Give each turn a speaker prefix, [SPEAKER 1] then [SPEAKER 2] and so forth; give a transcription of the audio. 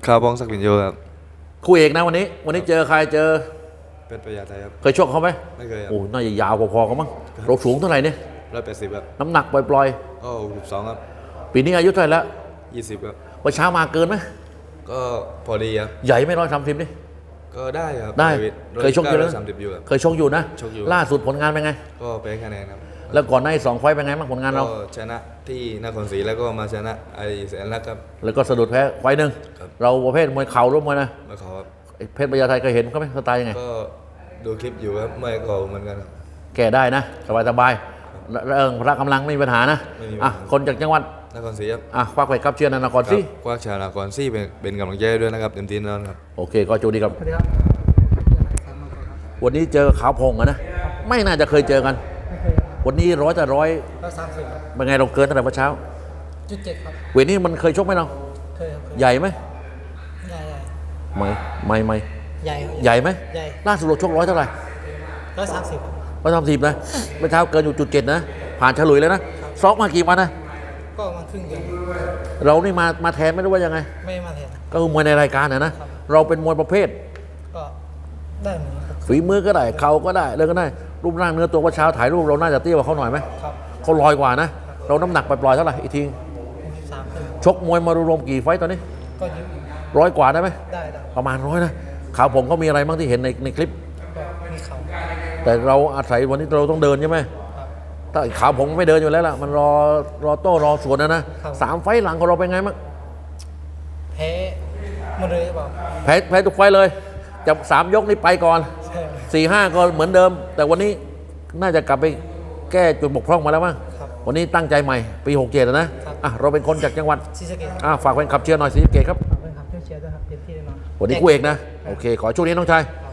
[SPEAKER 1] ข่าวบ้องศักดิ์วินโยครับ
[SPEAKER 2] คู่เอกนะวันนี้เจอใครเจอ
[SPEAKER 1] เป็นประหยัดไทยครับ
[SPEAKER 2] เคยชกเขาไหม
[SPEAKER 1] ไม่เคยครับ
[SPEAKER 2] โอ้น่าจะยาวพอๆกันมั้งเราสูงเท่าไหร่เนี่ย
[SPEAKER 1] 180ครับ
[SPEAKER 2] น้ำหนักปล่อย
[SPEAKER 1] ก็62ครับ
[SPEAKER 2] ๆปีนี้อายุเท่าไหร่แล้ว
[SPEAKER 1] 20ครับ
[SPEAKER 2] วันเช้ามาเกินไหม
[SPEAKER 1] ก็พอดีครับ
[SPEAKER 2] ใหญ่ไม่130นี่
[SPEAKER 1] ก็ได้ครับ
[SPEAKER 2] ได้เคยชกอยู่แล้ว
[SPEAKER 1] 30อยู่ครับ
[SPEAKER 2] เคยชกอยู่นะ
[SPEAKER 1] ชกอยู่
[SPEAKER 2] ล่าสุดผลงานเป็นไง
[SPEAKER 1] ก็แพ้คะแนนครับ
[SPEAKER 2] แล้วก่อนหน้า2 ไฟต์เป็นไงบ้างผลงานเรา
[SPEAKER 1] ก็ชนะที่นครศรีแล้วก็มาชนะไอ้แสนรักครับ
[SPEAKER 2] แล้วก็สะดุดแพ้ไฟต์หนึ่งเราประเภทมวยเข่าหรือมวยนะ
[SPEAKER 1] มาขอครับ
[SPEAKER 2] เพชรพญาไทเคยเห็นเขาไหมสไตล์ยังไง
[SPEAKER 1] ก็ดูคลิปอยู่ครับไม่ขอเหมือนกันครับ
[SPEAKER 2] แก้ได้นะสบายๆพละกำลังไม่มีปัญหานะอ่ะคนจากจังหวัด
[SPEAKER 1] นครศรีครับ
[SPEAKER 2] ควักไปครับเชียร์นครศรี
[SPEAKER 1] ควักชาวนครศรีเป็นกำลังใจด้วยนะครับเต็มที่แน่นอนครับ
[SPEAKER 2] โอเคก็โชคดีครับวันนี้เจอขาวพงอะนะไม่น่าจะเคยเจอกันวันนี้100 แต่
[SPEAKER 3] 130ครับ
[SPEAKER 2] เป็นไงเราเกินเท่าไหร่เมื่อเช้า
[SPEAKER 3] 7ครับ
[SPEAKER 2] เวทนี้มันเคยชกไหมเรา
[SPEAKER 3] เคยครับ
[SPEAKER 2] ใหญ่ไหม
[SPEAKER 3] ใหญ่
[SPEAKER 2] ไม่
[SPEAKER 3] ใหญ่
[SPEAKER 2] ใหญ่ไหม
[SPEAKER 3] ใหญ่
[SPEAKER 2] ล่าสุดเราชก100 เท่าไหร่130นะเมื่อเช้าเกินอยู่จุด 7นะผ่านฉลุยแล้วนะซ้อมมากี่วันนะ
[SPEAKER 3] ก็มาครึ่งเดือน
[SPEAKER 2] เรานี่มาแทนไม่รู้ว่ายังไง
[SPEAKER 3] ไม่มาแทน
[SPEAKER 2] ก็คือมวยในรายการนะเราเป็นมวยประเภท
[SPEAKER 3] ก็ได้เหมือนกัน
[SPEAKER 2] ฝีมือก็ได้เข่าก็ได้เลยก็ได้รูปร่างเนื้อตัวว่าเช้าถ่ายรูปเราน่าจะเตี้ยกว่าเขาหน่อยไหม
[SPEAKER 3] ครับ
[SPEAKER 2] เขาลอยกว่านะเราน้ำหนักปล่อยๆเท่าไหร่อีกที
[SPEAKER 3] 3ขึ้น
[SPEAKER 2] ชกมวยมารวมกี่ไฟต์ตอนนี้
[SPEAKER 3] ก็เยอะ
[SPEAKER 2] 100 กว่าได้ไหม
[SPEAKER 3] ได้
[SPEAKER 2] ประมาณ100นะขาวผมเขามีอะไรบ้างที่เห็นในคลิป
[SPEAKER 3] ก็มีเขา
[SPEAKER 2] แต่เราอาศัยวันนี้เราต้องเดินใช่ไหมถ้าขาวผมไม่เดินอยู่แล้วล่ะมันรอโต้รอสวนนะ3 ไฟต์หลังของเราเป็นไงบ้าง
[SPEAKER 3] แพ้หมดเลยหรือเปล่า
[SPEAKER 2] แพ้ทุกไฟต์เลยจะ3 ยกนี้ไปก่อน4-5ก็เหมือนเดิมแต่วันนี้น่าจะกลับไปแก้จุดบกพร่องมาแล้วมั้งวันนี้ตั้งใจใหม่ปี67นะเราเป็นคนจากจังหวัด
[SPEAKER 3] ศรีสะเกษ
[SPEAKER 2] ฝากแฟนคลับเชียร์หน่อยศรีสะเกษครับ
[SPEAKER 3] ฝากแฟนคลับเชียร์ด้วยครับเต็มที่แน่นอน
[SPEAKER 2] วันนี้คู่เอกนะโอเคขอช่วงนี้น้องชาย